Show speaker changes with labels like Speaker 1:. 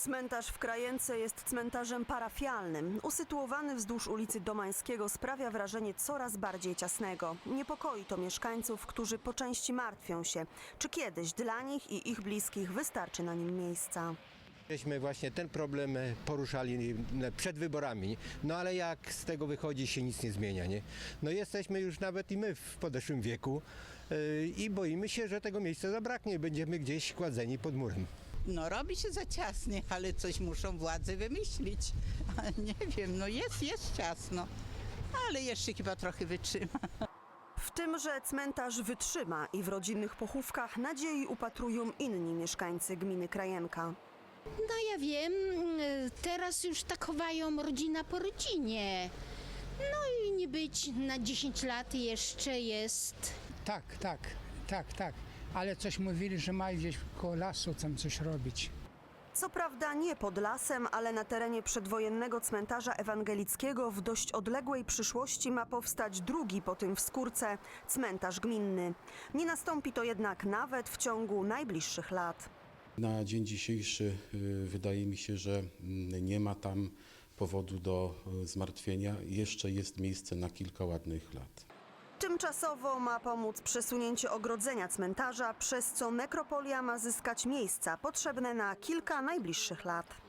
Speaker 1: Cmentarz w Krajence jest cmentarzem parafialnym. Usytuowany wzdłuż ulicy Domańskiego sprawia wrażenie coraz bardziej ciasnego. Niepokoi to mieszkańców, którzy po części martwią się, czy kiedyś dla nich i ich bliskich wystarczy na nim miejsca.
Speaker 2: Żeśmy właśnie ten problem poruszali przed wyborami, no ale jak z tego wychodzi, się nic nie zmienia, nie? No jesteśmy już nawet i my w podeszłym wieku i boimy się, że tego miejsca zabraknie, będziemy gdzieś kładzeni pod murem.
Speaker 3: No robi się za ciasnie, ale coś muszą władze wymyślić. Nie wiem, no jest ciasno, ale jeszcze chyba trochę wytrzyma.
Speaker 1: W tym, że cmentarz wytrzyma i w rodzinnych pochówkach nadziei upatrują inni mieszkańcy gminy Krajenka.
Speaker 4: No ja wiem, teraz już tak chowają rodzina po rodzinie. No i nie być na 10 lat jeszcze jest.
Speaker 5: Tak. Ale coś mówili, że mają gdzieś koło lasu tam coś robić.
Speaker 1: Co prawda nie pod lasem, ale na terenie przedwojennego cmentarza ewangelickiego w dość odległej przyszłości ma powstać drugi po tym w Skórce cmentarz gminny. Nie nastąpi to jednak nawet w ciągu najbliższych lat.
Speaker 6: Na dzień dzisiejszy wydaje mi się, że nie ma tam powodu do zmartwienia. Jeszcze jest miejsce na kilka ładnych lat.
Speaker 1: Tymczasowo ma pomóc przesunięcie ogrodzenia cmentarza, przez co nekropolia ma zyskać miejsca potrzebne na kilka najbliższych lat.